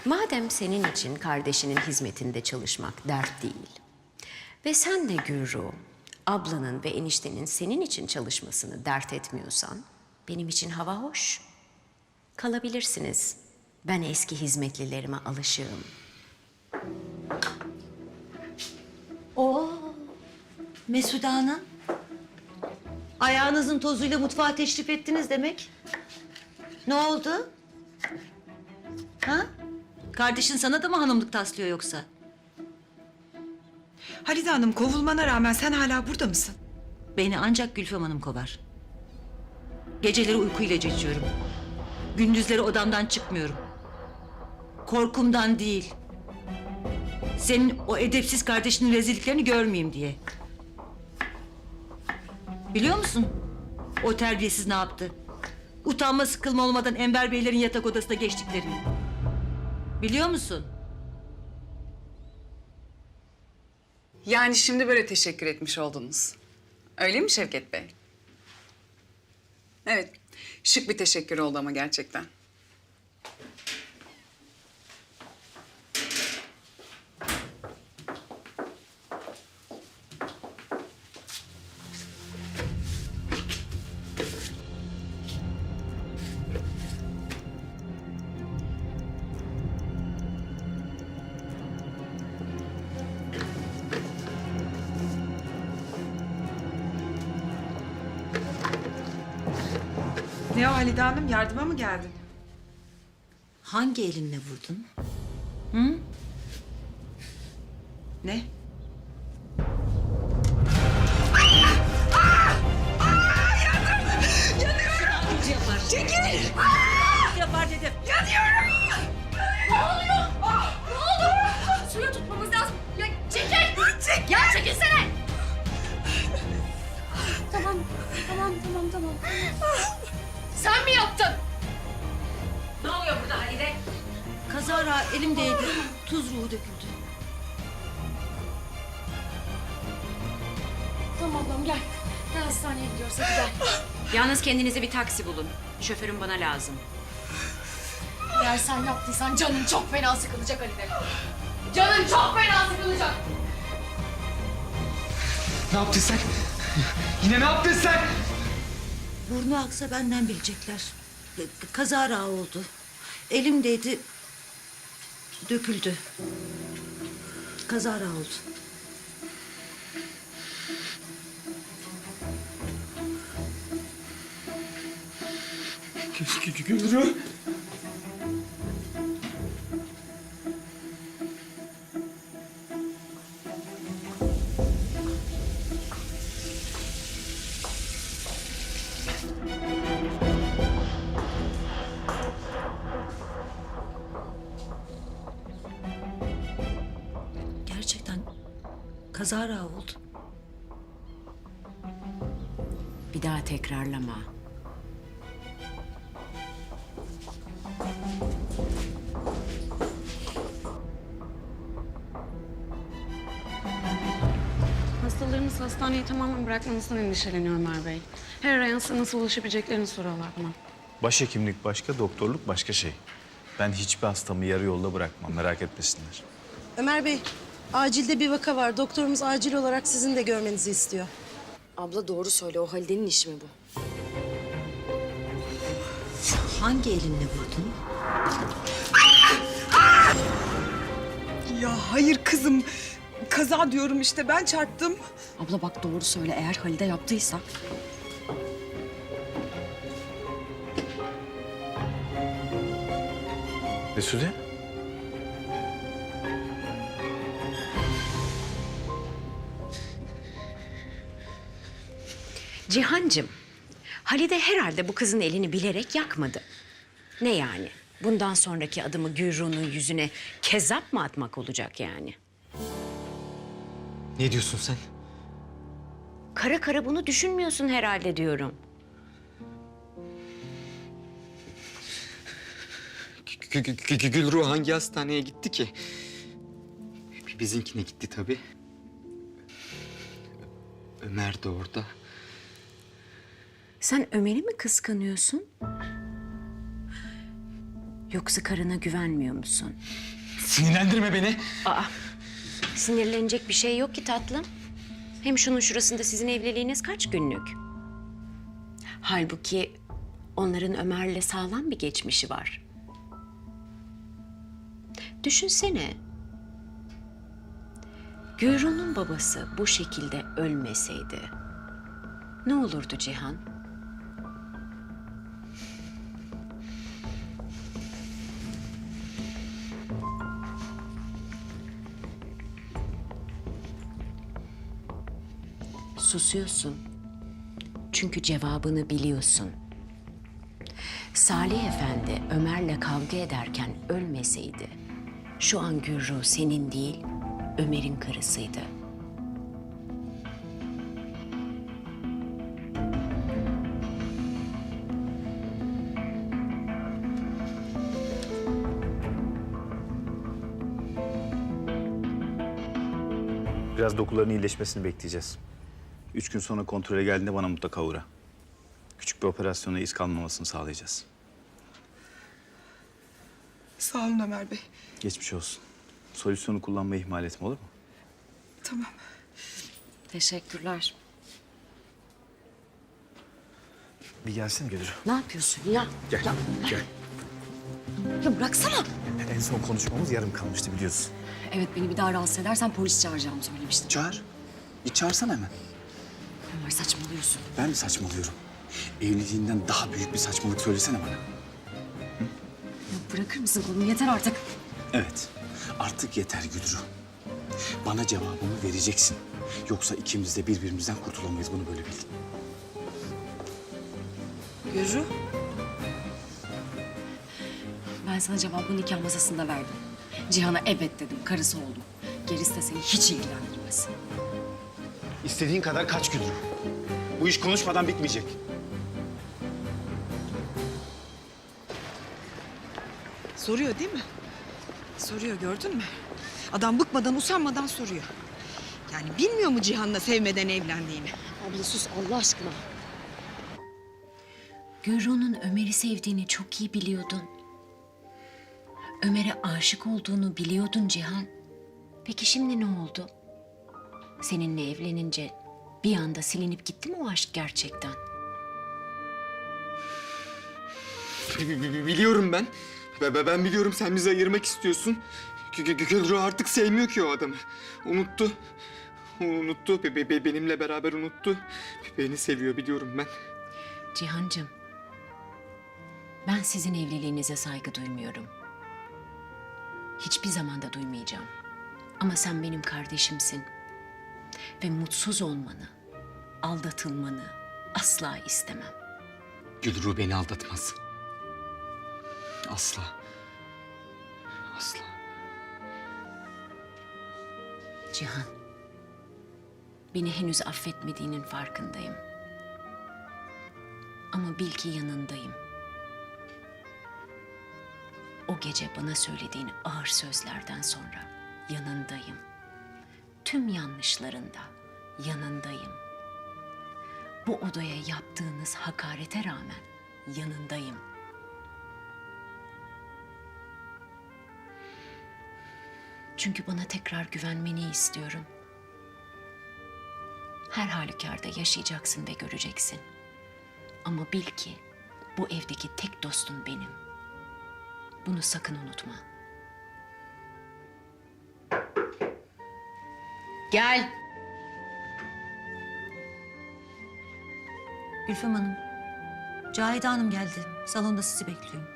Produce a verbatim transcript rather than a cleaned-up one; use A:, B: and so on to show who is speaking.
A: Madem senin için kardeşinin hizmetinde çalışmak dert değil ve sen de Gürru, ablanın ve eniştenin senin için çalışmasını dert etmiyorsan benim için hava hoş. Kalabilirsiniz. Ben eski hizmetlilerime alışığım.
B: Oo, Mesude Hanım. Ayağınızın tozuyla mutfağa teşrif ettiniz demek. Ne oldu? Ha? Kardeşin sana da mı hanımlık taslıyor yoksa?
C: Halide Hanım, kovulmana rağmen sen hala burada mısın?
B: Beni ancak Gülfem Hanım kovar. Geceleri uyku ilacı içiyorum. Gündüzleri odamdan çıkmıyorum. Korkumdan değil. Senin o edepsiz kardeşinin rezilliklerini görmeyeyim diye. Biliyor musun? O terbiyesiz ne yaptı? Utanma sıkılma olmadan Enver Beylerin yatak odasına geçtiklerini. Biliyor musun?
D: Yani şimdi böyle teşekkür etmiş oldunuz. Öyle mi Şevket Bey? Evet, şık bir teşekkür oldu ama gerçekten.
C: Ne o Halide Hanım, yardıma mı geldin?
B: Hangi elinle vurdun?
C: Ne?
B: Çekil! Yapar dedim.
E: Suya tutmamız lazım. Ya çekil! Çekil! Ya çekilsene! Tamam, tamam, tamam, tamam. Sen mi yaptın? Ne oluyor burada Halide?
B: Kazara elimdeydi. Tuz ruhu döküldü.
E: Tamam tamam gel. Gel hastaneye gidiyoruz hadi gel.
A: Yalnız kendinize bir taksi bulun. Şoförüm bana lazım.
E: Eğer sen yaptıysan canın çok fena sıkılacak Halide. Canın çok fena sıkılacak.
F: Ne yaptın sen? Yine ne yaptın sen?
B: Burnu aksa benden bilecekler. Kazara oldu. Elimdeydi. Döküldü. Kazara oldu.
F: Gülru.
B: Gerçekten kazara oldu.
A: Bir daha tekrarlama.
G: Hastalarımız hastaneyi tamamen bırakmanızdan endişeleniyor Ömer Bey. Her arayan size nasıl ulaşabileceklerini soruyorlar bana.
H: Başhekimlik başka, doktorluk başka şey. Ben hiçbir hastamı yarı yolda bırakmam, merak etmesinler.
I: Ömer Bey, acilde bir vaka var. Doktorumuz acil olarak sizin de görmenizi istiyor.
E: Abla doğru söyle o Halide'nin işi mi bu?
B: Hangi elinle vurdun?
C: Ya hayır kızım. Kaza diyorum işte, ben çarptım.
E: Abla bak doğru söyle eğer Halide yaptıysa.
H: Mesude?
A: Cihancığım, Halide herhalde bu kızın elini bilerek yakmadı. Ne yani? Bundan sonraki adımı Gürru'nun yüzüne kezzap mı atmak olacak yani?
F: Ne diyorsun sen?
A: Kara kara bunu düşünmüyorsun herhalde diyorum.
F: Gü- gü- gü- Gülru hangi hastaneye gitti ki? Bizimkine gitti tabii. Ömer de orada.
A: Sen Ömer'i mi kıskanıyorsun? Yoksa karına güvenmiyor musun?
F: Sinirlendirme beni.
A: Sinirlenecek bir şey yok ki tatlım. Hem şunun şurasında sizin evliliğiniz kaç günlük? Halbuki onların Ömer'le sağlam bir geçmişi var. Düşünsene. Gürun'un babası bu şekilde ölmeseydi ne olurdu Cihan? Susuyorsun. Çünkü cevabını biliyorsun. Salih Efendi Ömer'le kavga ederken ölmeseydi, şu an Gürru senin değil, Ömer'in karısıydı.
H: Biraz dokuların iyileşmesini bekleyeceğiz. Üç gün sonra kontrole geldiğinde bana mutlaka uğra. Küçük bir operasyona iz kalmamasını sağlayacağız.
C: Sağ olun Ömer Bey.
H: Geçmiş olsun. Solüsyonu kullanmayı ihmal etme, olur mu?
C: Tamam.
G: Teşekkürler.
H: Bir gelsene Gülür.
A: Ne yapıyorsun ya?
H: Gel, gel.
G: Ya bıraksana.
H: En son konuşmamız yarım kalmıştı biliyorsun.
G: Evet, beni bir daha rahatsız edersen polis çağıracağımı söylemiştim.
J: Çağır. Bir çağırsana hemen.
G: Ömer, saçmalıyorsun.
J: Ben mi saçmalıyorum? Evliliğinden daha büyük bir saçmalık söylesene bana.
G: Ya bırakır mısın kolumu? Yeter artık.
J: Evet. Artık yeter Gülru. Bana cevabımı vereceksin. Yoksa ikimiz de birbirimizden kurtulamayız. Bunu böyle bil.
C: Gürru.
G: Ben sana cevabı nikah masasında verdim. Cihan'a evet dedim, karısı oldum. Gerisi de seni hiç ilgilendirmez.
J: İstediğin kadar kaç Gülru. Bu iş konuşmadan bitmeyecek.
C: Soruyor değil mi? Soruyor, gördün mü? Adam bıkmadan usanmadan soruyor. Yani bilmiyor mu Cihan'la sevmeden evlendiğini?
G: Abla sus Allah aşkına.
A: Gürru'nun Ömer'i sevdiğini çok iyi biliyordun. Ömer'e aşık olduğunu biliyordun Cihan. Peki şimdi ne oldu? Seninle evlenince bir anda silinip gitti mi o aşk gerçekten?
F: Bi- bi- bi- Biliyorum ben. Be- be- Ben biliyorum sen bizi ayırmak istiyorsun. Gü- Gü- Gülru artık sevmiyor ki o adamı. Unuttu. Unuttu. Be- be- be- Benimle beraber unuttu. Beni seviyor biliyorum ben.
A: Cihancığım, ben sizin evliliğinize saygı duymuyorum. Hiçbir zaman da duymayacağım. Ama sen benim kardeşimsin. Ve mutsuz olmanı, aldatılmanı asla istemem.
F: Gülru beni aldatmaz. Asla. Asla.
A: Cihan, beni henüz affetmediğinin farkındayım. Ama bil ki yanındayım. O gece bana söylediğin ağır sözlerden sonra yanındayım. Tüm yanlışlarında yanındayım. Bu odaya yaptığınız hakarete rağmen yanındayım. Çünkü bana tekrar güvenmeni istiyorum. Her halükarda yaşayacaksın ve göreceksin. Ama bil ki bu evdeki tek dostum benim. Bunu sakın unutma. Gel.
B: Gülfem Hanım, Cahide Hanım geldi. Salonda sizi bekliyor.